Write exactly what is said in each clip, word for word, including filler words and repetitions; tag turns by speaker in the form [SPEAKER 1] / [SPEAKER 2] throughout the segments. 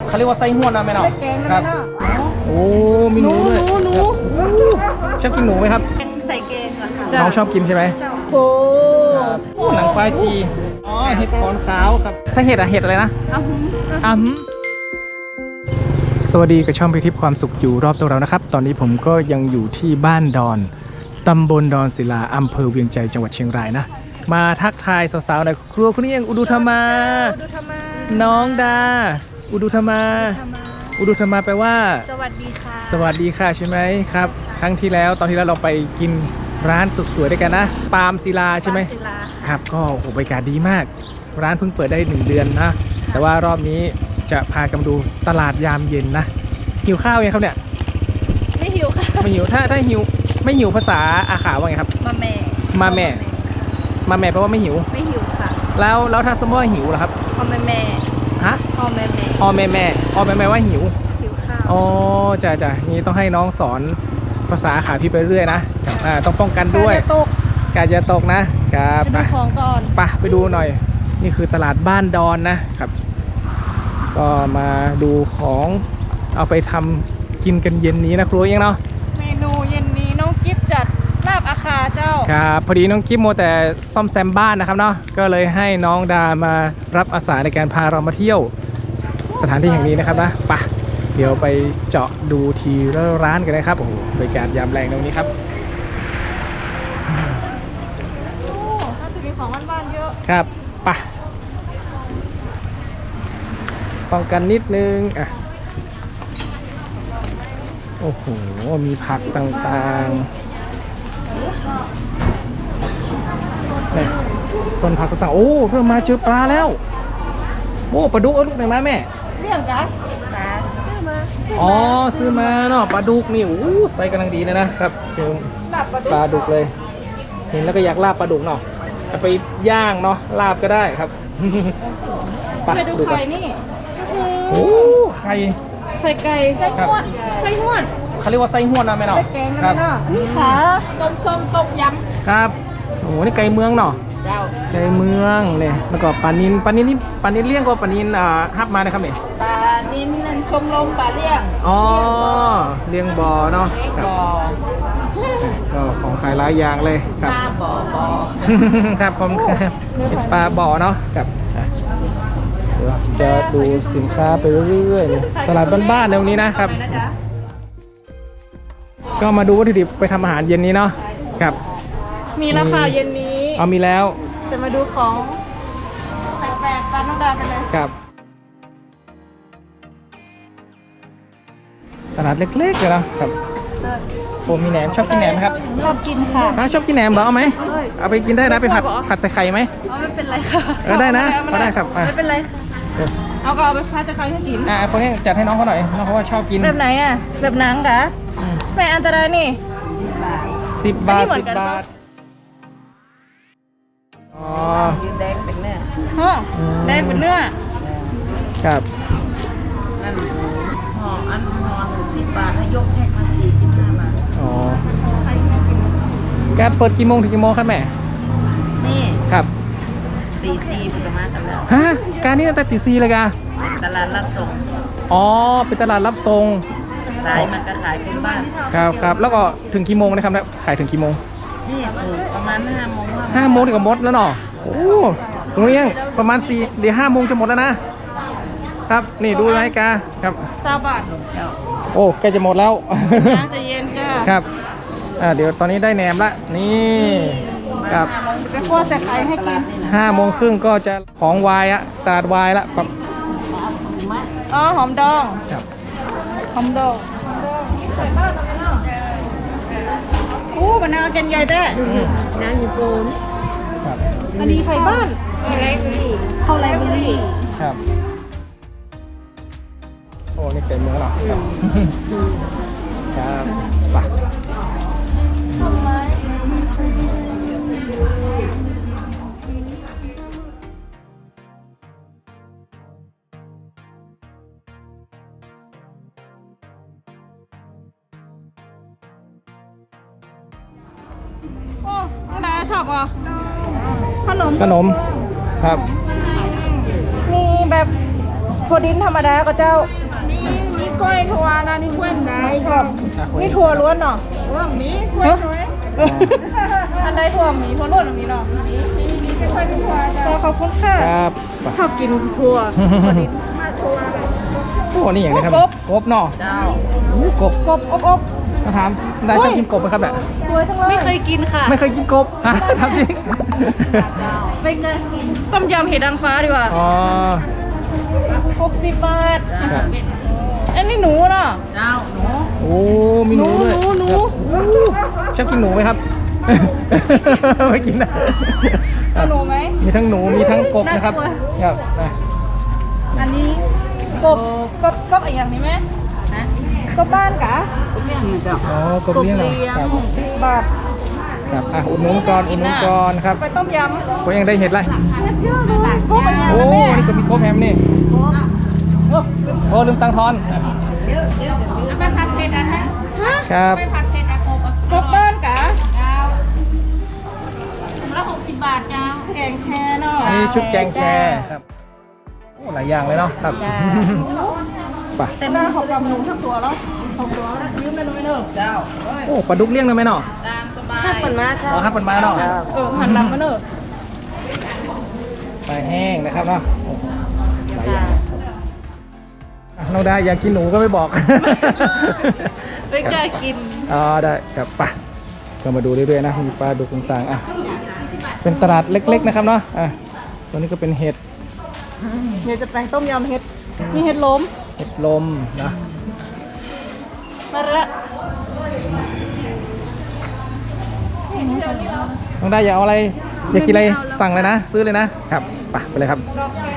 [SPEAKER 1] เขาเรียกว่าไส้ห้วนนะแม่เนาะครับโอ้มีหนูด้วยชอบกินหนูไหมครับ
[SPEAKER 2] ใส่เกงอะค่ะ
[SPEAKER 1] น้องชอบกินใช่ไหมโอ้หนังควายจีอ๋อเห็ดขอนขาวครับถ้าเห็ดอะเห็ดอะไรนะอ้ำอ้ำสวัสดีกับช่องไปทิพย์ความสุขอยู่รอบตัวเรานะครับตอนนี้ผมก็ยังอยู่ที่บ้านดอนตำบลดอนศิลาอำเภอเวียงใจจังหวัดเชียงรายนะมาทักทายสาวๆในครัวคุณนี่ยังอุดุธรรมาน้องดาอุดุธรรมาอุดุธรรมาแปลว่า
[SPEAKER 2] สวัสดีค่ะ
[SPEAKER 1] สวัสดีค่ะใช่ไหมครับครั้งที่แล้วตอนที่แล้วเราไปกินร้านสุดสวยด้วยกันนะปาล์มศิลาใช่ไหมครับก็โอ้โหบรรยากาศดีมากร้านเพิ่งเปิดได้หนึ่งเดือนนะแต่ว่ารอบนี้จะพากันมาดูตลาดยามเย็นนะหิวข้าวยังครับเนี่ย
[SPEAKER 2] ไม่หิวค่ะ
[SPEAKER 1] ไม่หิวถ้าถ้าหิวไม่หิวภาษาอาขาว่าไงครับ
[SPEAKER 2] มาแม่
[SPEAKER 1] มาแม่มาแม่แปลว่าไม่หิว
[SPEAKER 2] ไม่หิวค่ะ
[SPEAKER 1] แล้วแล้วถ้าสมมติว่าหิวล่ะครับ
[SPEAKER 2] พ่อแม่แม่
[SPEAKER 1] ฮะ
[SPEAKER 2] พ่อแม่แม่
[SPEAKER 1] พ่อแม่แม่พ่อแม่แม่ว่าหิว
[SPEAKER 2] หิวข้าว
[SPEAKER 1] อ๋อจ้ะจ้ะนี่ต้องให้น้องสอนภาษาอาขาพี่ไปเรื่อยนะอ่าต้องป้องกันด้วยการจะตกนะครับไปดูของก่อนไปไปดูหน่อยนี่คือตลาดบ้านดอนนะครับก็มาดูของเอาไปทำกินกันเย็นนี้นะครูเองเนาะ
[SPEAKER 3] เมนูเย็นนี้น้องกิฟจัดลาบอาคาเจ้า
[SPEAKER 1] ครับพอดีน้องกิฟโมแต่ซ่อมแซมบ้านนะครับเนาะก็เลยให้น้องดามารับอาสาในการพาเรามาเที่ยวสถานที่แห่งนี้นะครับนะไปเดี๋ยวไปเจาะดูทีละร้านกันนะครับโอ้โหบรรยากาศยามแรงตรงนี้ครับ
[SPEAKER 3] โอ้ถ้าจะมีของบ้านๆเยอะ
[SPEAKER 1] ครับไปป้องกันนิดนึงอ่ะโอ้โหมีผักต่างๆนี่ต้นผักต่างๆโอ้เพิ่มมาเจอปลาแล้วโอ้ปลาดุกเอาลูกไหนมาแม่
[SPEAKER 3] เรื่องกัน
[SPEAKER 1] อ๋อซื้อมาเนาะปลาดุกนี่โอ้ใส่กำลังดีเลยนะครับเชิญปลาดุกเลยเห็นแล้วก็อยากลาบปลาดุกเนาะจะไปย่างเนาะลาบก็ได้ครับ
[SPEAKER 3] ไปดูไข่นี่
[SPEAKER 1] โอ้ไข่
[SPEAKER 3] ไข่ไก่ไส้ห้วนไส้ห้วน
[SPEAKER 1] เขาเรียกว่าไส้ห้วนนะแม่เนาะ
[SPEAKER 3] ครับนี่ค่ะต้มส้มต้มย
[SPEAKER 1] ำครับโอ้นี่ไก่เมืองเนาะ
[SPEAKER 3] เจ้า
[SPEAKER 1] ไก่เมืองเนี่ยแล้วก็ปลานินปลานินนี่ปลานินเลี้ยงก็ปลานินอ่าฮับมานะครับเนี่ย
[SPEAKER 3] ปลานินนั่นชมลมปลาเลี้ยง
[SPEAKER 1] อ๋อเลี้ยงบ่อเนาะ
[SPEAKER 3] เลี้ยงบ่อ
[SPEAKER 1] ก็ของขายหลายอย่างเลยครับ
[SPEAKER 3] ปลาบ่อบ่อ
[SPEAKER 1] ครับผมเป็นปลาบ่อเนาะครับเดี๋ยวจะดูสินค้าไปเรื่อยๆตลาดบ้านๆในวันนี้นะครับก็มาดูวัตถุดิบไปทำอาหารเย็นนี้เนาะครับ
[SPEAKER 3] มีราคาเย็นนี้
[SPEAKER 1] เอามีแล้ว
[SPEAKER 3] จะมาดูของแปลกๆตามน้องดากันเลย
[SPEAKER 1] ครับตลาดเล็กๆเลยนะครับโอ้มีแหนมชอบกินแหนมไหมครับ
[SPEAKER 2] ชอบกินค่ะ
[SPEAKER 1] ถ้าชอบกินแหนมเหรอเอาไหมเอาไปกินได้นะไปผัดผัดใส่ไข่ไหม
[SPEAKER 2] อ๋อไม่เป็นไรค่ะ
[SPEAKER 1] เออได้นะก็ได้ครับ
[SPEAKER 2] ไม่เป็นไรค่ะ
[SPEAKER 3] เอาก็เอาไปผัดใส่ไข่ให้กิน
[SPEAKER 1] อ่าคนนี้จัดให้น้องเขาหน่อยน้องเขาว่าชอบกิน
[SPEAKER 3] แบบไหนอ่ะแบบหนังกะไม่อันตรายนี่
[SPEAKER 1] สิบบาทสิบบาทอ๋อ
[SPEAKER 3] แดงเป็นเนื้อฮะแดงเป็นเนื้อ
[SPEAKER 1] ครับ
[SPEAKER 2] นั่นห่ออันห่อหนึ่งสิบบาทถ้ายกแพ็คมาสี่สิบห้าบาท
[SPEAKER 1] อ๋อแกเปิดกี่โมงถึงกี่โมงครับแม่
[SPEAKER 2] นี่
[SPEAKER 1] ครับ
[SPEAKER 2] ตีสี่ประมาณกันแล้ว
[SPEAKER 1] ฮะการนี้ตั้งแต่ตีสี่เลยกะ
[SPEAKER 2] ตลาดรับส่ง
[SPEAKER 1] อ๋อเป็นตลาดรับส่ง
[SPEAKER 2] สายมันก็ขายคนบ้าน
[SPEAKER 1] ครับครับแล้วก็ถึงกี่โมงนะครับขายถึงกี่โมง
[SPEAKER 2] นี่ประมาณห้าโมง
[SPEAKER 1] ห้าโมงถึงกับหมดแล้วเนาะโอ้ตรงนี้ยังประมาณสี่เดี๋ยวห้าโมงจะหมดแล้วนะครับนี่ดูไหมกาครับ
[SPEAKER 3] ซาบะ
[SPEAKER 1] โอ้แกจะหมดแล้ว
[SPEAKER 3] น้ำจะเย็นจ้า
[SPEAKER 1] ครับอ่าเดี๋ยวตอนนี้ได้แหนมละนี่ครับ
[SPEAKER 3] ไปคั่วใส่ไข่ให้กิน
[SPEAKER 1] ห้าโมงครึ่งก็จะของวายอะตาดวายละครับ
[SPEAKER 3] อ๋อหอมดอง
[SPEAKER 1] ครับ
[SPEAKER 3] หอมดองโอ้บะนาวกันใหญ่แท้น้ำญี่ปุ่นอันนี้ไข่บ้านไรเบอรี่
[SPEAKER 2] ข้าวไรเบอรี่
[SPEAKER 1] ครับโอ้นี่เต็มเมืองหรอครับครับไป
[SPEAKER 3] โอ้น้องดาชอบอ่ะขนม
[SPEAKER 1] ขนมครับ
[SPEAKER 3] มีแบบถั่วดินธรรมดาก็เจ้า
[SPEAKER 2] มีมีกล้วยถั่วนะนี่กล้วยไหน
[SPEAKER 3] ครับ
[SPEAKER 1] อ่ะคุย
[SPEAKER 3] นี่ถั่วล้วนเนาะ
[SPEAKER 2] ว่ามีกล้วยถั่ว
[SPEAKER 3] อันใดถั่วหมีถั่วล้วนมีเนาะ
[SPEAKER 2] มีมีมีแค่กล้วยถั่วจ้ะ
[SPEAKER 3] ขอบคุณค่ะ
[SPEAKER 1] ครับไป
[SPEAKER 3] ชอบกินถั่วถั่วดิน
[SPEAKER 2] มาถั่ว
[SPEAKER 1] โอ้นี่อย่างนี้ครับ
[SPEAKER 3] กบ
[SPEAKER 1] กบเนาะ
[SPEAKER 2] เจ้า
[SPEAKER 1] อู้กบ
[SPEAKER 3] กบอบอบ
[SPEAKER 1] มาถามได้ชอบกินกบไหมครับเนี่ย
[SPEAKER 3] สวยทั้งเลย
[SPEAKER 2] ไม่เคยกินค่ะ
[SPEAKER 1] ไม่เคยกินกบอ่ะทำจริง
[SPEAKER 2] ไม่เคยกิน
[SPEAKER 3] ต้มยำเห็ดนางฟ้าดีกว่า
[SPEAKER 1] อ๋อ
[SPEAKER 3] หกสิบบาท
[SPEAKER 1] ครับ
[SPEAKER 3] อันนี้หนูเนาะ
[SPEAKER 2] เจ้าหนู
[SPEAKER 1] โอ้มีหนูด้วย
[SPEAKER 3] หนูหนู
[SPEAKER 1] ครับอู้ชอบกินหนูไหมครับ ไม่กินนะ
[SPEAKER 3] เอาหนูไหม
[SPEAKER 1] มีทั้งหนูมีทั้งกบนะครับครับอ่ะ
[SPEAKER 3] อันนี้กบกบกบอีกอย่างนี้ไหม
[SPEAKER 2] นะ
[SPEAKER 3] กบบ้านกะ
[SPEAKER 2] ก็เลี้ยงเจ้า
[SPEAKER 1] อ๋อกบเลี้ยงเหรอครับ
[SPEAKER 3] สิบบาท
[SPEAKER 1] ครับอ่ะอุดหนุนก่อนอุดหนุนก่อนครับ
[SPEAKER 3] ไปต้มยำ
[SPEAKER 1] ก็ยังได้เห็ดไร
[SPEAKER 3] เห็ดเยอะเลยกบเป็นยัง
[SPEAKER 1] โอ้
[SPEAKER 3] ไงแม่
[SPEAKER 1] นี่ก็มีกบแฮมนี่โอ้ลืมตังค์ทอน
[SPEAKER 2] ไม่ผัดเผ็ดอ่ะฮะ
[SPEAKER 3] ฮะ
[SPEAKER 1] ครับ
[SPEAKER 2] ไม่ผัดเผ็ดอะกบอะ
[SPEAKER 3] กบบ้านกะ
[SPEAKER 2] เจ้าถุงละหกสิบบาทเจ้า
[SPEAKER 3] แกงแคเนาะ
[SPEAKER 1] อันนี้ชุดแกงแคครับโอ้หลายอย่างเลยเนาะครับ
[SPEAKER 2] จ้า
[SPEAKER 1] ไป
[SPEAKER 3] เต็มหน้าของยำหนูทั้งตัวแล้วของตัวแล้วยืมไปเลยเนอะ
[SPEAKER 2] เจ้าเอ้ย
[SPEAKER 1] โอ้ปลาดุกเลี้ยงได้ไหมเนาะ
[SPEAKER 2] ตามสบาย
[SPEAKER 3] ถ้าเปิดมาจ้า
[SPEAKER 1] อ๋อครับปันมาเนาะ
[SPEAKER 3] เออหันหลังมาเนอะ
[SPEAKER 1] ปลาแห้งนะครับเนาะโอ้หลายอย่างอ่ะน้องได้อยากกินหนูก็ไม่บอก
[SPEAKER 2] ไม่กล้ากิน
[SPEAKER 1] อ๋อได้ครับไปก็มาดูเรื่อยๆนะมีปลาดุกต่างๆอ่ะเป็นตลาดเล็กๆนะครับเนาะอ่ะตัวนี้ก็เป็นเห็ด
[SPEAKER 3] เดี๋ยวจะแปลงต้มยำเห็ดนี่เห็ดล้ม
[SPEAKER 1] เห็ดลมนะ
[SPEAKER 3] มาละ
[SPEAKER 1] น้องได้อยากเอาอะไรอยากกินอะไรสั่งเลยนะ ซื้อเลยนะครับไปไปเลยครับ
[SPEAKER 3] ดอกแค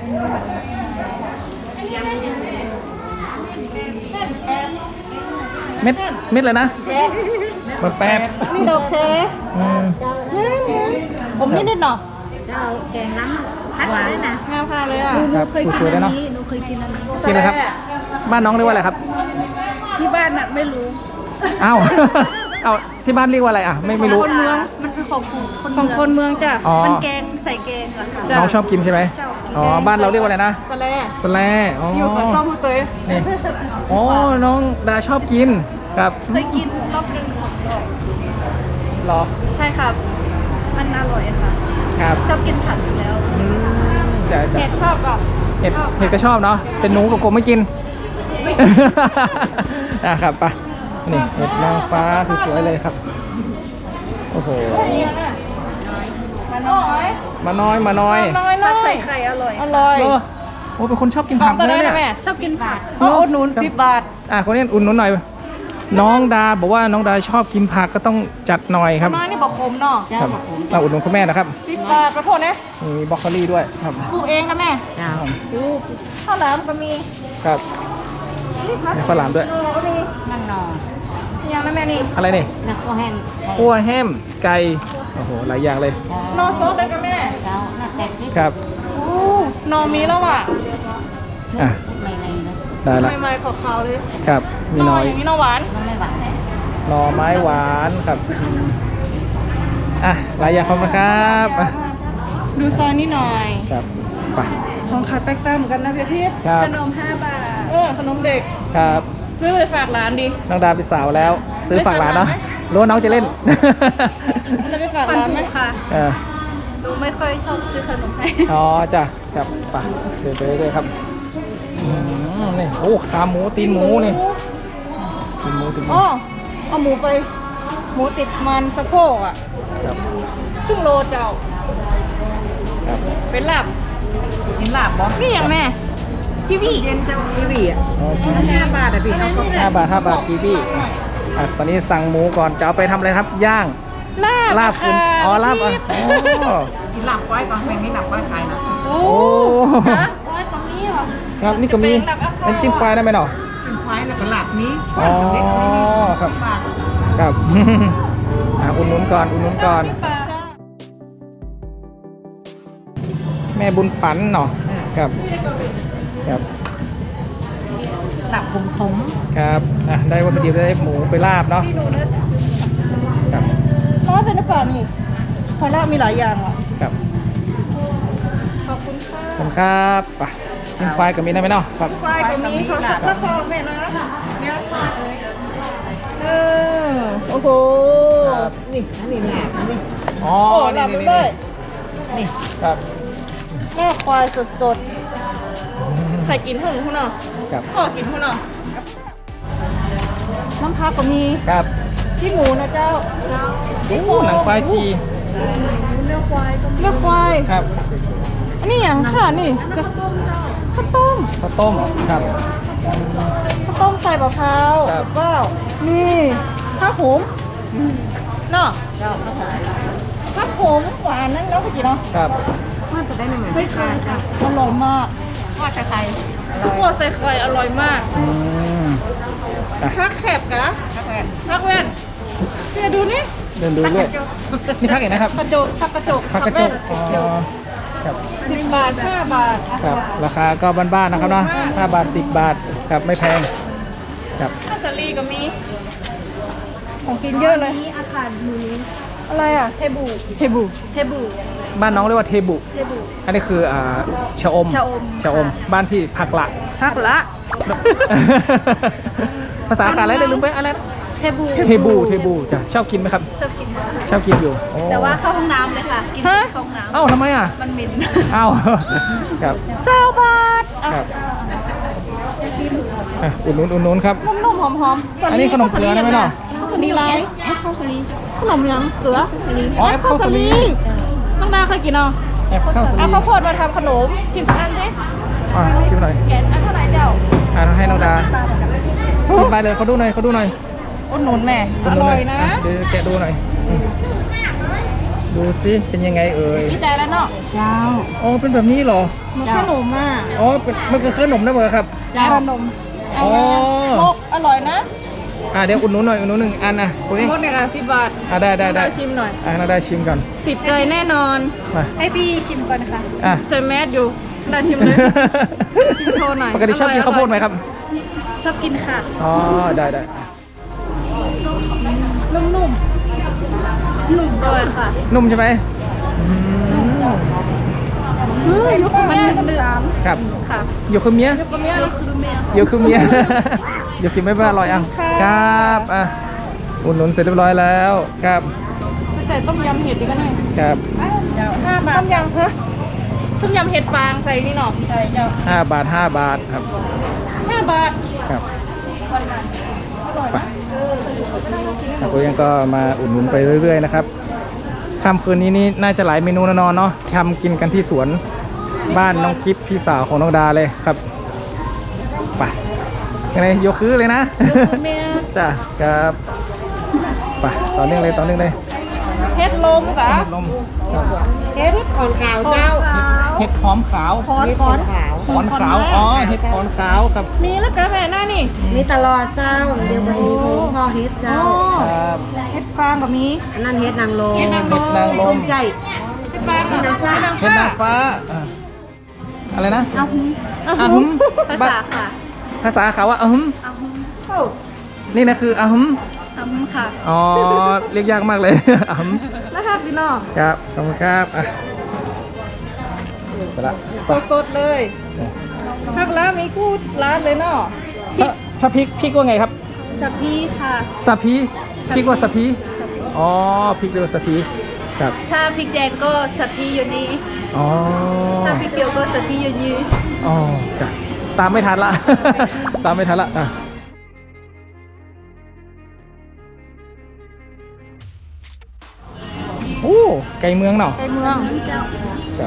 [SPEAKER 1] เม็ดเม็ดเลยนะมันแป๊บ
[SPEAKER 3] นี่ดอกแค
[SPEAKER 1] อืม
[SPEAKER 3] ผมนี่นิดหน่อย
[SPEAKER 2] เจ้าแกงน้ำพัดเลยนะ
[SPEAKER 3] งามค่ะเลยอ่ะ
[SPEAKER 1] ครับ
[SPEAKER 2] เคยกิ
[SPEAKER 1] สวยๆเลย
[SPEAKER 2] นอั
[SPEAKER 1] เนาะ
[SPEAKER 2] นนี้หนูเคยกินอันนี้
[SPEAKER 1] กินเลยครับ บ้านน้องเรียกว่าอะไรครับ
[SPEAKER 2] ที่บ้านน่ะไม่รู้
[SPEAKER 1] อ้าว เอ้าที่บ้านเรียกว่าอะไรอ่ะไม่ไม่รู้
[SPEAKER 2] คนเมืองมันเป็นของคน
[SPEAKER 3] ของคนเมืองจ้ะ
[SPEAKER 1] อ๋อ
[SPEAKER 2] มันแกงใส่แกงอะค่ะ
[SPEAKER 3] จ้ะ
[SPEAKER 1] น้องชอบกินใช่ไหม
[SPEAKER 2] ชอบกิน
[SPEAKER 1] อ๋อบ้านเราเรียกว่าอะไรนะ
[SPEAKER 3] สะแล
[SPEAKER 1] สแลอ๋อ
[SPEAKER 3] อยู่กับต้มเตย
[SPEAKER 1] นี่อ๋อน้องดาชอบกินครับ
[SPEAKER 2] เคยกินรอบหนึ่งสองรอบ
[SPEAKER 1] เหรอ
[SPEAKER 2] ใช่ครับ มันอร่อยค่ะ
[SPEAKER 1] ครับ
[SPEAKER 2] ชอบกินผักอยู่แล้ว
[SPEAKER 1] อืมจะจะ
[SPEAKER 3] เห็ดชอบอ่ะ
[SPEAKER 1] เห็ดเห็ดก็ชอบเนาะเป็นหนูกับกบไม่กิน
[SPEAKER 2] ไม่
[SPEAKER 1] อ่ะครับไปนี่เห็ดนางฟ้าสวยๆเลยครับโอ้โห
[SPEAKER 3] เนี่ยนะ
[SPEAKER 2] มันน้อย
[SPEAKER 1] มาน้อยมาน้อย
[SPEAKER 3] น้อยน้
[SPEAKER 2] ผั
[SPEAKER 3] อ
[SPEAKER 2] ดใส่
[SPEAKER 3] ย
[SPEAKER 2] ไข่อร่อย
[SPEAKER 3] อร่อย
[SPEAKER 1] เออโอ้เป็นคนชอบกิน
[SPEAKER 3] ขอ
[SPEAKER 1] ผั
[SPEAKER 3] ง
[SPEAKER 1] ก
[SPEAKER 3] ตัว
[SPEAKER 1] นะ
[SPEAKER 3] ได้
[SPEAKER 1] เนี่
[SPEAKER 3] นะ
[SPEAKER 1] ย
[SPEAKER 3] แม่
[SPEAKER 2] ชอบกินผัก
[SPEAKER 3] ก็อุดหนุนสิบบาท
[SPEAKER 1] อ่ะคนนี้อุ่นนุนหน่อย น้องดาบอกว่าน้องดาชอบกินผักก็ต้องจัดหน่อยครับ
[SPEAKER 3] มานี่บอกผมเนาะ
[SPEAKER 1] ครับเราอุดหนุนคุณแม่นะครับ
[SPEAKER 3] สิบบาทประโทษนะ
[SPEAKER 1] มีบรอกโคลีด้วยครับ
[SPEAKER 3] ปลูกเองนะแม่
[SPEAKER 2] จ้า
[SPEAKER 3] ข้าวหลามก็มี
[SPEAKER 1] ครับมีข้าวหลามด้วย
[SPEAKER 3] เออก็มี
[SPEAKER 2] นั่งนอน
[SPEAKER 3] ยังนะแม่นี่
[SPEAKER 1] อะไรนี่
[SPEAKER 2] นักก็แห้ง
[SPEAKER 1] คั่วแฮมไก่โอ้โหหลายอย่างเลย
[SPEAKER 3] นอซดได้กับแม่
[SPEAKER 2] เจ้าหน้าแตกนิด
[SPEAKER 1] ครับ
[SPEAKER 3] โอ้นอมีแล้วอ่ะ
[SPEAKER 1] อ่ะ
[SPEAKER 2] ไม่เลยนะ
[SPEAKER 1] ได้ละ
[SPEAKER 3] ใหม่ๆขาวๆเลย
[SPEAKER 1] ครับมีน้อย
[SPEAKER 3] อย่างนี้นอหวาน
[SPEAKER 2] มันไม่หวานแท้
[SPEAKER 1] หน่อไม้หวานครับอ่ะหลายอย่างขอบคุณครับอ่ะ
[SPEAKER 3] ดูซอยนี้หน่อย
[SPEAKER 1] ครับไป
[SPEAKER 3] ของขายแป๊กต้าเหมือนกันนะพี่ทิพย์
[SPEAKER 1] ครับ
[SPEAKER 2] ขนมห้าบาท
[SPEAKER 3] เออขนมเด็ก
[SPEAKER 1] ครับ
[SPEAKER 3] ซื้อไปฝากหลานดิ
[SPEAKER 1] น้องดาเป็นสาวแล้ว ซื้อฝากหลานเนาะรู้ว่าน้องจะเล่น
[SPEAKER 3] จะไปฝาก
[SPEAKER 2] ปัน
[SPEAKER 3] หลานไหม
[SPEAKER 2] ผูค่ะ
[SPEAKER 1] เออ
[SPEAKER 2] หนูไม่ค่อยชอบซื้อขนมให้
[SPEAKER 1] อ๋อจ้ะครับไปเดินไปเรื่อยๆครับอืมนี่โอ้ขาหมูตีนหมูนี่ตีนหมูตีนหมู
[SPEAKER 3] อ๋อเอาหมูไป หมูติดมันสะโพกอ่ะ
[SPEAKER 1] ครับ
[SPEAKER 3] ครึ่งโลเจ้า
[SPEAKER 1] ครับ
[SPEAKER 3] เป็นลาบ
[SPEAKER 2] กินลาบบ่
[SPEAKER 3] นี่อย่างแม่พี่พี่
[SPEAKER 2] เย็นเจ้ากีวีอ่ะ
[SPEAKER 1] อ๋อกีวี
[SPEAKER 2] ห้าบาทอ่ะพี่เอาก็
[SPEAKER 1] ห้าบาทห้าบาทกีวีอ่ะตอนนี้สั่งหมูก่อนจะเอาไปทำอะไรครับย่าง
[SPEAKER 3] ลาบ
[SPEAKER 1] ลาบคุณ
[SPEAKER 3] ค่ะ
[SPEAKER 1] อ๋อลาบอ่ะ
[SPEAKER 3] พี่
[SPEAKER 1] อ๋อ
[SPEAKER 2] กินลาบไว้ก่อนแม่งนี่ลาบไว้ขายนะ
[SPEAKER 3] โอ้
[SPEAKER 1] โอ้
[SPEAKER 3] ฮะไว้ตรงนี้เหรอ
[SPEAKER 1] ครับนี่ก็มี
[SPEAKER 3] เป็นลาบอ่ะ
[SPEAKER 1] น้ำจิ้มควายได้ไหมเนาะ
[SPEAKER 2] เป็นควายแล้วก็ลาบนี้
[SPEAKER 1] อ๋อครับ
[SPEAKER 2] บาท
[SPEAKER 1] ครับ อ่ะอุ่นนุนก่อนอุ่นนุนก่อน แม่บุญปันเนาะครับครับ
[SPEAKER 2] ลาบขมขม
[SPEAKER 1] ครับอ่ะได้วัตถุดิบได้หมูไปลาบเนาะ
[SPEAKER 2] พี่หนูเนื้อ
[SPEAKER 1] ครับ
[SPEAKER 3] ร้อนเป็นหรือเปล่านี่พอละมีหลายอย่างอ่ะ
[SPEAKER 1] ครับ
[SPEAKER 3] ขอบคุณค่ะ
[SPEAKER 1] ขอบคุณครับไปเป็นไฟกับมีได้ไหมเนาะครับ
[SPEAKER 3] ไฟก็มีเขาสักฟองแม่นะเนี่ยเออโอ้โหนี่นี่แหละนี่
[SPEAKER 1] อ๋อ
[SPEAKER 3] โอ้ห
[SPEAKER 1] นี่
[SPEAKER 3] ลับ
[SPEAKER 1] นี่
[SPEAKER 3] เล
[SPEAKER 1] นี่
[SPEAKER 3] ยนี่
[SPEAKER 1] ครับ
[SPEAKER 3] แม่ควายสดๆใครกินหุ่นหุ่นเนาะ
[SPEAKER 1] ครับ
[SPEAKER 3] พ่อกินหุ่นเนาะน้ำพักก็มี
[SPEAKER 1] ครับ
[SPEAKER 3] ที่หมูนะเจ้า
[SPEAKER 1] โอ้หนังควายจี
[SPEAKER 3] เนื้อควายเนื้อควาย
[SPEAKER 1] ครับ
[SPEAKER 3] อันนี้อย่างค่ะนี่ข้าวต้ม
[SPEAKER 1] ข้าวต้มครับ
[SPEAKER 3] ข้าวต้มใส่มะพร้าว
[SPEAKER 1] ครับ
[SPEAKER 3] ว้าวนี่ข้าวหุมเนาะ
[SPEAKER 2] เจ้าข้าวสาร
[SPEAKER 3] ข้าวหุมหวานนั่นแล้วก็กินเนาะ
[SPEAKER 1] ครับ
[SPEAKER 2] มันจะได้หนึ่งไม่ใช่จ้ะ
[SPEAKER 3] อร่อยมาก
[SPEAKER 2] ทอดใคร
[SPEAKER 3] คั่วใส่ไข่อร่อยมาก
[SPEAKER 1] อืมอ่ะ
[SPEAKER 3] พักแคบกะพักแว่นเนี่ยดูนี่
[SPEAKER 1] เดินดูด้วยนี่พักเองนะครับ
[SPEAKER 3] กระจกพักกระจก
[SPEAKER 1] พักกระจ
[SPEAKER 3] แว่
[SPEAKER 1] ก
[SPEAKER 3] น
[SPEAKER 1] อ๋อครับ
[SPEAKER 3] สิบบาทห้าบาท
[SPEAKER 1] ครับราคาก็บ้านๆนะครับเนาะห้าบาทสิบบาทครับไม่แพงครับ
[SPEAKER 3] ข้าวสาลีก็มี ของกินเยอะเลย
[SPEAKER 2] นี่อาคารมูนี้
[SPEAKER 3] อะไรอ่ะ
[SPEAKER 2] เทบู
[SPEAKER 3] เทบู
[SPEAKER 2] เทบู
[SPEAKER 1] บ้านน้องเรียกว่าเทบุ
[SPEAKER 2] เทบู
[SPEAKER 1] อันนี้คืออ่าชะอม
[SPEAKER 2] ชะอม
[SPEAKER 1] ชะอม
[SPEAKER 2] ค่ะ
[SPEAKER 1] บ้านพี่ผักละ
[SPEAKER 3] พักละ
[SPEAKER 1] ภาษาขาอะไรได้ลืมไปอะไรนะ
[SPEAKER 2] เทบู
[SPEAKER 1] เทบูเทบูจ้ะชอบกินไหมครับ
[SPEAKER 2] ชอบกินมาก
[SPEAKER 1] ชอบกินอยู่โอ้
[SPEAKER 2] แต่ว่าเข้าห้องน้ำเลยค่ะ กิน
[SPEAKER 3] ฮะ
[SPEAKER 2] เข้าห้องน้
[SPEAKER 1] เอ้าทำไมอ่ะ
[SPEAKER 2] ำมันเหม็น
[SPEAKER 1] เอ้า ครับ
[SPEAKER 3] เจ้าบาทอ่ะ
[SPEAKER 1] ครับอ่ะอุ่นนุนอุ่นนุนครับ
[SPEAKER 3] นุ่มๆหอมๆ
[SPEAKER 1] อันนี้ขนมเกลือได้ไหมเนาะ
[SPEAKER 3] ข้าวสาลีไรแอปข้าวสาลีขนมยังเกลือ
[SPEAKER 1] อ๋อแอปข้าวสาลี
[SPEAKER 3] น้องดาเคยกินเนาะ
[SPEAKER 1] แอบข้าวสา
[SPEAKER 3] เอา
[SPEAKER 1] ลี
[SPEAKER 3] ข้าวโพดมาทำขนมชิมสักอันสิ
[SPEAKER 1] อ่ะชิมหน่อย
[SPEAKER 3] แกนอันเท่าไหร่เจ้า
[SPEAKER 1] อ่ะให้น้องดาชิมไปเลยเขาดูหน่อยเขาดูหน่อย
[SPEAKER 3] อุดหนุนแม่อ
[SPEAKER 1] ดูห
[SPEAKER 3] ร่
[SPEAKER 1] น่
[SPEAKER 3] อยนะ
[SPEAKER 1] เดี๋ยวแกะดูหน่อยอืมดูสิเป็นยังไงเอ่ย
[SPEAKER 3] ดีใจแล้วเนาะเจ้า
[SPEAKER 1] อ๋อเป็นแบบนี้เหรอ
[SPEAKER 3] มันขนมอ่ะ
[SPEAKER 1] อ๋อเป็นมันคือขนมนะเหรอครับ
[SPEAKER 3] เจ้าขนม
[SPEAKER 1] อ๋อ
[SPEAKER 3] มกอร่อยนะ
[SPEAKER 1] อ่ะเดี๋ยวอุ่นนุนหน่อยอุ่นนุนหนึ่งอันนะคุณเอง
[SPEAKER 3] มกเนี่ยค่ะสิบบาท
[SPEAKER 1] อ่ะได้ได้ได้
[SPEAKER 3] ชิมหน่อย
[SPEAKER 1] อ่ะเราได้ชิมก่อน
[SPEAKER 3] ติดใจแน่นอน
[SPEAKER 1] มา
[SPEAKER 2] ให้พี่ชิมก่อนค่ะ
[SPEAKER 1] อ่ะ
[SPEAKER 3] ใส่แมสอยู่ได้ชิมเลย ชิมโชว์หน่อย
[SPEAKER 1] ปกติชอบกิน
[SPEAKER 3] อร่อย
[SPEAKER 1] ข้าวโพดไหมครับ
[SPEAKER 2] ชอบกินค่ะ
[SPEAKER 1] อ๋อได้ได้
[SPEAKER 3] นุ่ม
[SPEAKER 2] หนุ่มด้วยค่ะ
[SPEAKER 1] นุ่มใช่ไหมอืม
[SPEAKER 3] ๆเฮ้ยลูก
[SPEAKER 2] มัน
[SPEAKER 3] แม่
[SPEAKER 2] หนึบ
[SPEAKER 3] น้ำตาล
[SPEAKER 1] ครับ
[SPEAKER 2] ๆค่ะ
[SPEAKER 1] อยู่คือเมีย
[SPEAKER 3] ลูกแม่
[SPEAKER 2] เดี๋ยวคือแม่
[SPEAKER 1] อยู่คือเมีย อยู่กินไม่เป็นอร่อยอ่ะครับอ่ะอุ่นนุนเสร็จเรียบร้อยแล้วครับ
[SPEAKER 3] ใส่ต้มยำเห็ดดีกันหน่อย
[SPEAKER 1] ครับ
[SPEAKER 3] เจ้าห้าบาทต้มยำฮะต้มยำเห็ดฟางใส่นี่หน่อใส่เจ้า
[SPEAKER 1] ห้าบาทห้าบาทครับ
[SPEAKER 3] ห้าบาท
[SPEAKER 1] ครับไปครับก็ยังก็มาอุดหนุนไปเรื่อยๆนะครับค่ำคืนนี้นี่น่าจะหลายเมนูแน่นอนเนาะทำกินกันที่สวนบ้านน้องกิฟพี่สาวของน้องดาเลยครับไปยังไงยกคือเลยนะ
[SPEAKER 2] เดี๋ยวคือแม่
[SPEAKER 1] จ้ะครับไปต่อเนื่องเลยต่อเนื่องเลย
[SPEAKER 3] เห็ดลมกะ
[SPEAKER 1] ลม
[SPEAKER 3] เห็ดขอนขาวเจ้า
[SPEAKER 1] เห็ดหอมขาว
[SPEAKER 3] ขอนขอนขาว
[SPEAKER 1] ขอนขาวอ๋อเห็ดขอนขาวครับ
[SPEAKER 3] มีแล้วกะแม่หน้านี่
[SPEAKER 4] มีตลอดเจ้า เดี๋ยววันนี้ผมพ่อเฮ็ด
[SPEAKER 3] อ๋
[SPEAKER 4] เจ้า
[SPEAKER 3] อ
[SPEAKER 1] ครับ
[SPEAKER 3] เห็ดฟางก็มี
[SPEAKER 4] อันนั้นเฮ็ดนางลม
[SPEAKER 3] เห็ดนางร
[SPEAKER 1] เห็ดนางร
[SPEAKER 4] ต้
[SPEAKER 1] ม
[SPEAKER 4] มใจ
[SPEAKER 3] เห็ดฟางกับเห็ดนาง
[SPEAKER 1] เห็ด
[SPEAKER 3] ฟ้า
[SPEAKER 1] นางฟ้าอ่ะอะไรนะ
[SPEAKER 2] เอาหุ้ม
[SPEAKER 1] อะฮึม
[SPEAKER 2] ภาษาค่ะ
[SPEAKER 1] ภาษาเขาว่าอะฮึม
[SPEAKER 2] เอาหุ้ม
[SPEAKER 3] โอ้
[SPEAKER 1] นี่นะคืออะฮึม
[SPEAKER 2] เอาหุ้มค่ะ
[SPEAKER 1] อ๋อเรียกยากมากเลย อะฮึม
[SPEAKER 3] นะครับพี่น้อง
[SPEAKER 1] ครับขอบคุณครับอ่ะไปละไป
[SPEAKER 3] สดๆเลยพักแล้วมีกู้ร้านเลยเนาะ
[SPEAKER 1] ถ้าถ้าพริกพริกว่าไงครับ
[SPEAKER 2] สับพี่ค่ะ
[SPEAKER 1] สะพีพริกว่าสะพีอ๋อพริกเรียกว่าสะพีครับ
[SPEAKER 2] ถ้าพริกแดงก็สับพี่อยู่นี่
[SPEAKER 1] อ๋อ
[SPEAKER 2] ถ้าพริกเขียวก็สับพี่อยู่นี่
[SPEAKER 1] อ๋อจ้ะตามไม่ทันละ ตามไม่ทันละอ่ะโอ้ไก่เมืองเนาะ
[SPEAKER 3] ไปเมือง
[SPEAKER 1] ครับ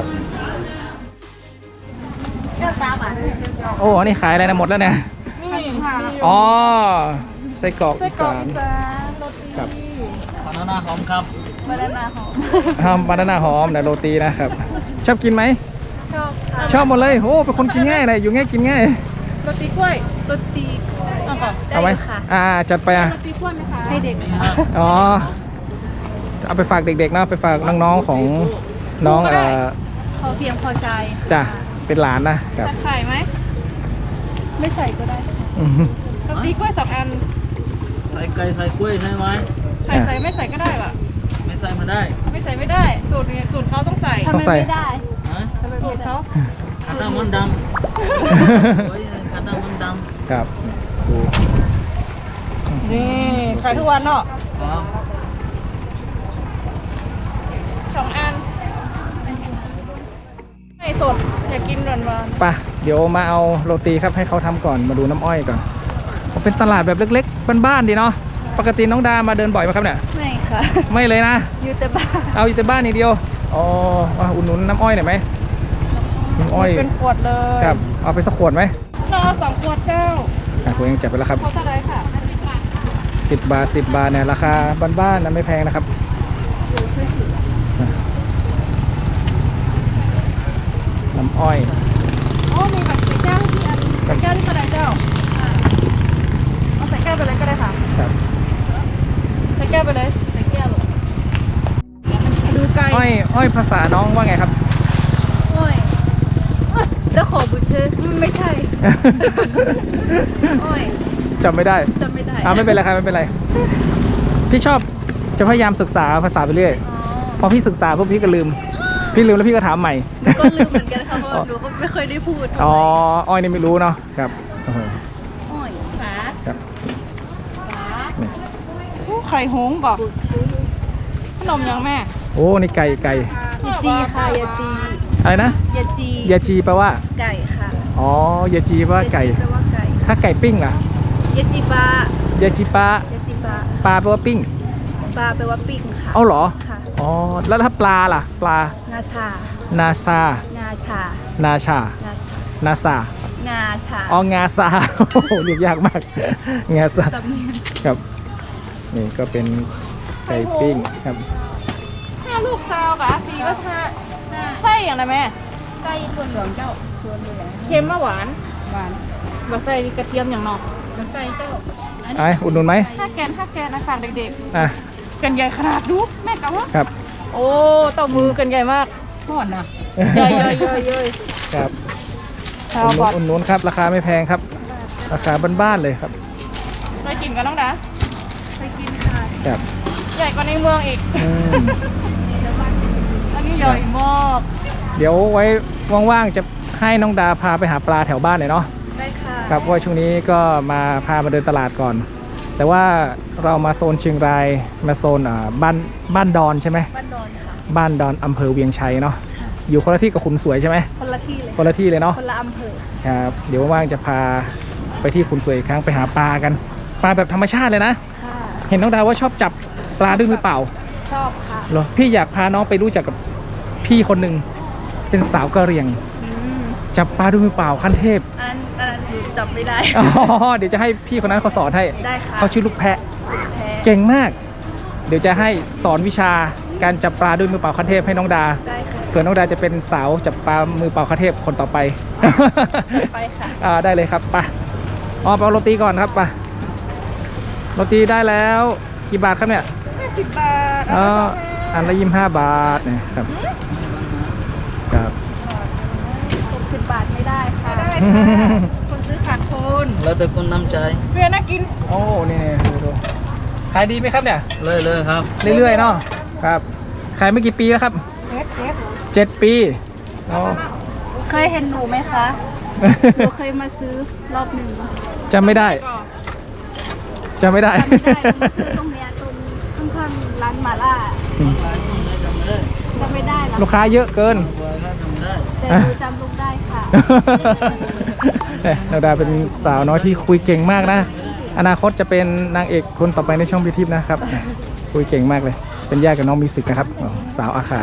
[SPEAKER 2] เจ้าสามอ่ะ
[SPEAKER 1] โอ้นี่ขายอะไรนะหมดแล้วเนี่ย
[SPEAKER 3] นี่
[SPEAKER 1] อ๋อไส้กรอก
[SPEAKER 3] ไส้
[SPEAKER 1] อี
[SPEAKER 3] กรอก
[SPEAKER 1] สาน
[SPEAKER 3] อีสานโรตี
[SPEAKER 1] ครับ
[SPEAKER 2] บานานาหอม
[SPEAKER 1] ทำบานาน่าหอมแต่โรตีนะครับ ชอบกินไหม
[SPEAKER 2] ชอบค่ะ
[SPEAKER 1] ชอบหมดเลยโอ้เป็นคนกินง่ายเลยอยู่ง่ายกินง่าย
[SPEAKER 3] โรตีกล้วย
[SPEAKER 2] โรตี
[SPEAKER 3] เอาค่ะ
[SPEAKER 2] ได้
[SPEAKER 1] เอาไหม
[SPEAKER 2] ค่ะ
[SPEAKER 1] อ่าจัดไปอ่ะ
[SPEAKER 3] โรตีกล้วยไหมคะ
[SPEAKER 2] ให้เด็ก
[SPEAKER 1] อ๋อเอาไปฝากเด็กๆนะไปฝากน้องๆของน้องเอ่อ
[SPEAKER 2] พอเพียงพอใจ
[SPEAKER 1] จ้ะเป็นหลานนะครับ
[SPEAKER 3] ใส่ไข่ไหม
[SPEAKER 2] ไม่ใส่ก็ได้
[SPEAKER 1] อืม
[SPEAKER 3] โรตีกล้วยสองอัน
[SPEAKER 5] ใส่ไก่ใส่กล้วยใช่ไหม
[SPEAKER 3] ไข่ใส่ไม่ใส่ก็ได้ว่ะ
[SPEAKER 5] ไม่ใส่มาได้
[SPEAKER 3] ไม่ใส่ไม่ได้สูตรนี้สูตรเขาต้องใส่
[SPEAKER 2] ทำไมไม่ได้
[SPEAKER 5] ฮะ
[SPEAKER 3] สูตรเขา
[SPEAKER 5] Kadang mendam. Oh iya, kadang mendam.
[SPEAKER 1] ครับดู
[SPEAKER 3] นี่ขายทุกวันเนาะ
[SPEAKER 5] Oh.
[SPEAKER 3] สองอันไก่สดอยากกินหวานหวาน
[SPEAKER 1] ไปเดี๋ยวมาเอาโรตีครับให้เขาทำก่อนมาดูน้ำอ้อยก่อนเป็นตลาดแบบเล็กๆบ้านๆดีเนาะปกติน้องดามาเดินบ่อยไหมครับเนี่ย
[SPEAKER 3] ไม่ค่ะ
[SPEAKER 1] ไม่เลยนะ
[SPEAKER 3] อยู่แต่บ้าน
[SPEAKER 1] เอาอยู่แต่บ้านอย่างเดียวอ๋อว่าอุ่นหนุนน้ำอ้อยหน่อยไหมน้ำอ้อย
[SPEAKER 3] เป็นขวดเลย
[SPEAKER 1] ครับเอาไปสักขวดไหม
[SPEAKER 3] รอสองขวดเจ้า
[SPEAKER 1] อ่ะผมยังจับไปแล้วครับ
[SPEAKER 3] เขาเท่าไรค่ะ
[SPEAKER 1] สิบบาทสิบบาทเนี่ยราคาบ้านๆนะไม่แพงนะครับน้ำอ้อย
[SPEAKER 3] อ๋อมีแบบใส่แก้วที่อันใส่แก้วที่เท่าไรเจ้าเอาใส่แก้วไปเลยก็ได้ค่ะ
[SPEAKER 1] ครับ
[SPEAKER 3] ใส่แก้วไปเลยใส่แก้วดูไก่
[SPEAKER 1] อ้อยอ้อยภาษาน้องว่าไงครับ
[SPEAKER 3] โอ้ยแล้วขอบุเชอร์ไม่ใช่ โอ้ย
[SPEAKER 1] จำไม่ได้
[SPEAKER 3] จำไม่ได้
[SPEAKER 1] อ่าไม่เป็นไรครับไม่เป็นไรพี่ชอบจะพยายามศึกษาภาษาไปเรื่อย
[SPEAKER 3] อ๋อ
[SPEAKER 1] พอพี่ศึกษาพวกพี่ก็ลืม พี่ลืมแล้วพี่ก็ถามใหม่
[SPEAKER 3] หนูก็ลืมเหมือนกันค่ะเพราะว่าหนูก็ไม่เคยได้พูด
[SPEAKER 1] อ๋ออ้อยนี่ไม่รู้เนาะครับโอ้โห
[SPEAKER 3] โอ้ยขา
[SPEAKER 1] ครับ
[SPEAKER 3] ไข่หงส์บอกขนมยังแม่
[SPEAKER 1] โอ้นี่ไก่ไก่
[SPEAKER 3] ยาจีค่ะยาจี
[SPEAKER 1] อะไรนะ
[SPEAKER 3] ยาจี
[SPEAKER 1] ยาจีแปลว่า
[SPEAKER 3] ไก่ค่ะ
[SPEAKER 1] อ๋อยาจีแปลว่าไก่
[SPEAKER 3] ยาจีแปลว่าไก่
[SPEAKER 1] ถ้าไก่ปิ้งล่ะ
[SPEAKER 3] ยาจีปลาย
[SPEAKER 1] าจีปลาย
[SPEAKER 3] าจีปลา
[SPEAKER 1] ปลาแปลว่าปิ้ง
[SPEAKER 3] ปลาแปลว่าปิ้งค่ะ
[SPEAKER 1] เอาเหรอ
[SPEAKER 3] ค่ะ
[SPEAKER 1] อ๋อแล้วถ้าปลาล่ะปลา
[SPEAKER 3] นาซา
[SPEAKER 1] นาซา
[SPEAKER 3] นาชา
[SPEAKER 1] นาชา
[SPEAKER 3] นาซา
[SPEAKER 1] นาซา
[SPEAKER 3] งาชา
[SPEAKER 1] อ๋องาซา โอ้โหเรียกยากมากงาซา
[SPEAKER 3] สำเนียง
[SPEAKER 1] ครับนี่ก็เป็นไก่ปิ้งครับ
[SPEAKER 3] ห้าลูกซาวกะสี่ก็ห้าไส้อย่างไรแม่ไส้ถั่วเหลืองเจ้าถั่วเหลืองเค็มมะหวานหวานบะไส้กระเทียมอย่างนอกบะไส้เจ้า
[SPEAKER 1] ไอ้อุดหนุนไหม
[SPEAKER 3] ถ้าแกนถ้าแกนนะฝากเด็ก
[SPEAKER 1] อ่ะ
[SPEAKER 3] ๆกันใหญ่ขนาดดูแม่กะว่า
[SPEAKER 1] ครับ
[SPEAKER 3] โอ้เต้ามือกันใหญ่มากทอดนะใหญ่ใหญ่ใหญ่ใหญ่
[SPEAKER 1] ครับ
[SPEAKER 3] ชาว
[SPEAKER 1] อุดหนุ
[SPEAKER 3] บอน ด
[SPEAKER 1] อุดหนุนครับราคาไม่แพงครับ ราคาบ้านๆเลยครับ
[SPEAKER 3] ไปกินกันน้องดาไปกินค่ะ
[SPEAKER 1] ครับ
[SPEAKER 3] ใหญ่กว่าในเมืองอีก
[SPEAKER 1] อืม
[SPEAKER 3] อันนี้ใหญ่มาก
[SPEAKER 1] เดี๋ยวไว้ว่างๆจะให้น้องดาพาไปหาปลาแถวบ้านหน่อยเนาะ
[SPEAKER 3] ได้ค่ะ
[SPEAKER 1] ครับเพราะว่าช่วงนี้ก็มาพามาเดินตลาดก่อน แต่ว่าเรามาโซนเชียงรายมาโซนอ่าบ้านบ้านดอนใช่ไหม
[SPEAKER 3] บ้านดอนค่ะ
[SPEAKER 1] บ้านดอนอำเภอเวียงชัยเนาะอยู่คนละที่กับขุนสวยใช่ไหม
[SPEAKER 3] คนละที่เลย
[SPEAKER 1] คนละที่เลยเนาะ
[SPEAKER 3] คนละอำเภอ
[SPEAKER 1] ครับเดี๋ยวว่างๆจะพาไปที่ขุนสวยอีกครั้งไปหาปลากัน ปลาแบบธรรมชาติเลยนะ
[SPEAKER 3] ค่ะ
[SPEAKER 1] เห็นน้องดาวว่าชอบจับปลาด้วยมือเปล่า
[SPEAKER 3] ชอบค่ะ
[SPEAKER 1] เหรอพี่อยากพาน้องไปรู้จักกับพี่คนหนึ่งเป็นสาวกะเหรี่ยง
[SPEAKER 3] อืม
[SPEAKER 1] จับปลาด้วยมือเปล่าขั้นเทพ
[SPEAKER 3] อันนั้นอันนั้นหนูจับไม่ได้
[SPEAKER 1] อ๋อเดี๋ยวจะให้พี่คนนั้นเขาสอนให้
[SPEAKER 3] ได้ค่ะ
[SPEAKER 1] เขาชื่อลูกแพะ
[SPEAKER 3] แพ้
[SPEAKER 1] เก่งมาก เดี๋ยวจะให้สอนวิชาการจับปลาด้วยมือเปล่าขั้นเทพให้น้องดา
[SPEAKER 3] ได้ค่ะ
[SPEAKER 1] เผื่อน้องดาจะเป็นสาวจับปลามือเปล่าขั้นเทพคนต่อไป
[SPEAKER 3] ไปค่ะ
[SPEAKER 1] อ่าได้เลยครับไปอ๋อไปเอาโรตีก่อนครับไปโรตีได้แล้วกี่บาทครับเนี่ย
[SPEAKER 3] สิบบาท
[SPEAKER 1] อ๋ออันละยี่สิบห้าบาทเนะครับครับ
[SPEAKER 3] หกสิบบาทไม่ได้ค่ะได้ คนซื้อขาดทุน
[SPEAKER 5] แล้วแต่คนน้ำใจ
[SPEAKER 3] เพื่อนน่ากิน
[SPEAKER 1] โอ้นี่ๆดูดูขายดีไหมครับเนี่ย
[SPEAKER 5] เลยเลยครับ
[SPEAKER 1] เรื่อยๆเนาะครับขายไม่กี่ปีแล้วครับ
[SPEAKER 3] เอสเอส
[SPEAKER 1] เจ็ดปีอ๋อ
[SPEAKER 3] เคยเห็นหนูไหมคะหนูเคยมาซื้อรอบหนึ่ง
[SPEAKER 1] จำไม่ได้จำไม่ได้
[SPEAKER 3] จำไม่ได้หนูมาซื้อตรงเนี้ยตรงข้างๆร้านหมาล่า
[SPEAKER 1] อืม
[SPEAKER 3] จำไม่ได้หรอก
[SPEAKER 1] ลูกค้าเยอะเกิน
[SPEAKER 3] แต่หนูจำลูกได้ค่ะ
[SPEAKER 1] เนี่ยนาดาเป็นสาวน้อยที่คุยเก่งมากนะ อนาคตจะเป็นนางเอกคนต่อไปในช่องบิวทิพย์นะครับ คุยเก่งมากเลย เป็นญาติกับน้องมิวสิกนะครับอ๋อสาวอาคา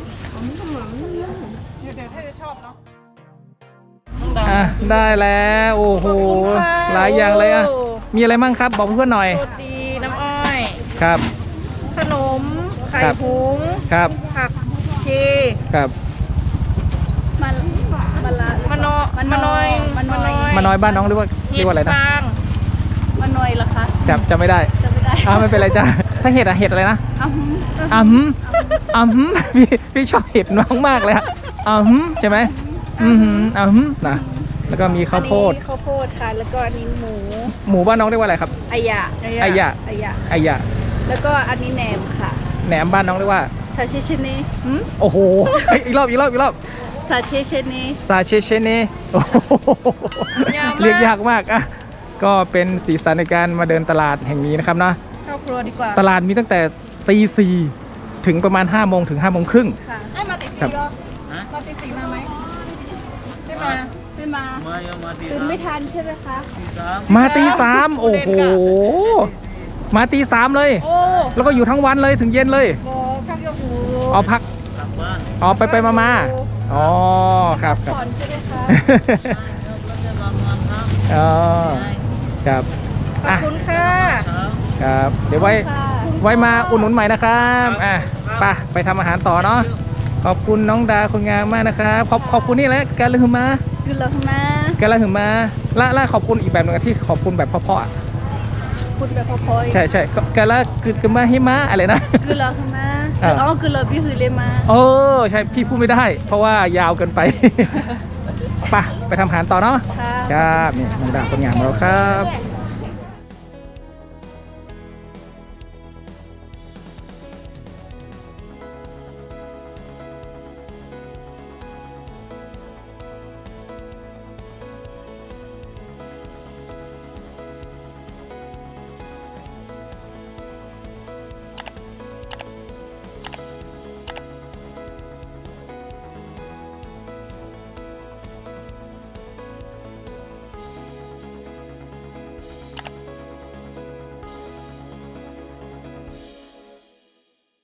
[SPEAKER 1] อ่ะได้แล้วโอ้โหหลายอย่างเลยอ่ะมีอะไรมั่งครับบอกเพื่อนหน่อย
[SPEAKER 3] โรตีน้ำอ้อย
[SPEAKER 1] ครับ
[SPEAKER 3] ขนม ไข่
[SPEAKER 1] ครับ
[SPEAKER 3] หุง
[SPEAKER 1] ครับ
[SPEAKER 3] ผักชี
[SPEAKER 1] ครับ
[SPEAKER 3] มันมันละมันนอมันนอยมันนอย
[SPEAKER 1] มาน้อยบ้านน้องเรียกว่าเรียกว่าอะไรนะ
[SPEAKER 3] ฟางมันนอยเหรอคะ
[SPEAKER 1] จำจำไม่ได้
[SPEAKER 3] จำไม่ได้
[SPEAKER 1] อ้าวไม่เป็นไรจ้าถ้าเห็ดอะเห็ดอะไรนะ
[SPEAKER 3] อ้าว
[SPEAKER 1] อืมอืมพี่พี่ชอบเห็ดน้องมากเลยอะอืมใช่ไหมอืมอืมนะแล้วก็มีข้าวโพด
[SPEAKER 3] อันนี้ข้าวโพดค่ะ แล้วก็อันนี้หมู
[SPEAKER 1] หมูบ้านน้องเรียกว่าอะไรครับ
[SPEAKER 3] อายะ
[SPEAKER 1] อายะ
[SPEAKER 3] อายะ
[SPEAKER 1] ไอยะ
[SPEAKER 3] แล้วก็อันนี้แหนมค่ะ
[SPEAKER 1] แหนมบ้านน้องเรียกว่า
[SPEAKER 3] ซาชิชิเนะ
[SPEAKER 1] โอ้โหเอ้ยอีกรอบอีกรอบอีกรอบ
[SPEAKER 3] ซซาเชเชนี
[SPEAKER 1] ซาเชเชเนโอ้โหเรียกยากมากอ่ะก็เป็นสีสันในการมาเดินตลาดแห่งนี้นะครับเนาะ
[SPEAKER 3] เข้าครัวดีกว่า
[SPEAKER 1] ตลาดมีตั้งแต่ตีสี่ถึงประมาณห้าโมงถึงห้าโมงครึ่ง
[SPEAKER 3] ค่ะให้มาติด
[SPEAKER 1] ครั
[SPEAKER 3] สี
[SPEAKER 1] บ
[SPEAKER 3] รอบมาติดสีมาไหมไม่มา
[SPEAKER 2] ไม่มา
[SPEAKER 5] มายังมาตี
[SPEAKER 2] ตื่นไม่ทันใช่ไหมคะ
[SPEAKER 5] สาม
[SPEAKER 1] มาตีสามโอ้โหมาตีสามเลย
[SPEAKER 3] โอ้
[SPEAKER 1] แล้วก็อยู่ทั้งวันเลยถึงเย็นเลย
[SPEAKER 3] โหข้าวยกหู
[SPEAKER 1] เอาพัก
[SPEAKER 5] กลับบ้าน
[SPEAKER 1] อ๋อไปไปมามาอ๋อครับครับ
[SPEAKER 3] ผ่อนใช่ไหมคะ
[SPEAKER 5] แล้วจะบางวันครับ
[SPEAKER 1] อ๋อครับ
[SPEAKER 3] ขอบ
[SPEAKER 1] อ่ะ
[SPEAKER 3] คุณค่ะ
[SPEAKER 5] ครับ
[SPEAKER 1] ครับ เดี๋ยวไว้
[SPEAKER 3] ค่ะ
[SPEAKER 1] ไว้มาอุดหนุนใหม่นะครับอ่ะไปไปทำอาหารต่อเนาะขอบคุณน้องดาคนงามมากนะครับขอบขอบคุณนี่แหละการลืมมา
[SPEAKER 2] คือเรามา
[SPEAKER 1] การลืมมาและและขอบคุณอีกแบบหนึงที่ขอบคุณแบบเพราะๆอ่ะ
[SPEAKER 2] พูดแบบพอย
[SPEAKER 1] ใช่ใช่ก็การละคือคือมาให้มาอะไรนะ
[SPEAKER 2] คือเรามาคืออ๋อคือเราพี่คือเลยมา
[SPEAKER 1] เออใช่พี่พูดไม่ได้ เพราะว่ายาวเกินไป ไปไปทำอาหารต่อเนาะ
[SPEAKER 2] ค่ะ
[SPEAKER 1] ครับนี่น้องดาคนงานของเราครับ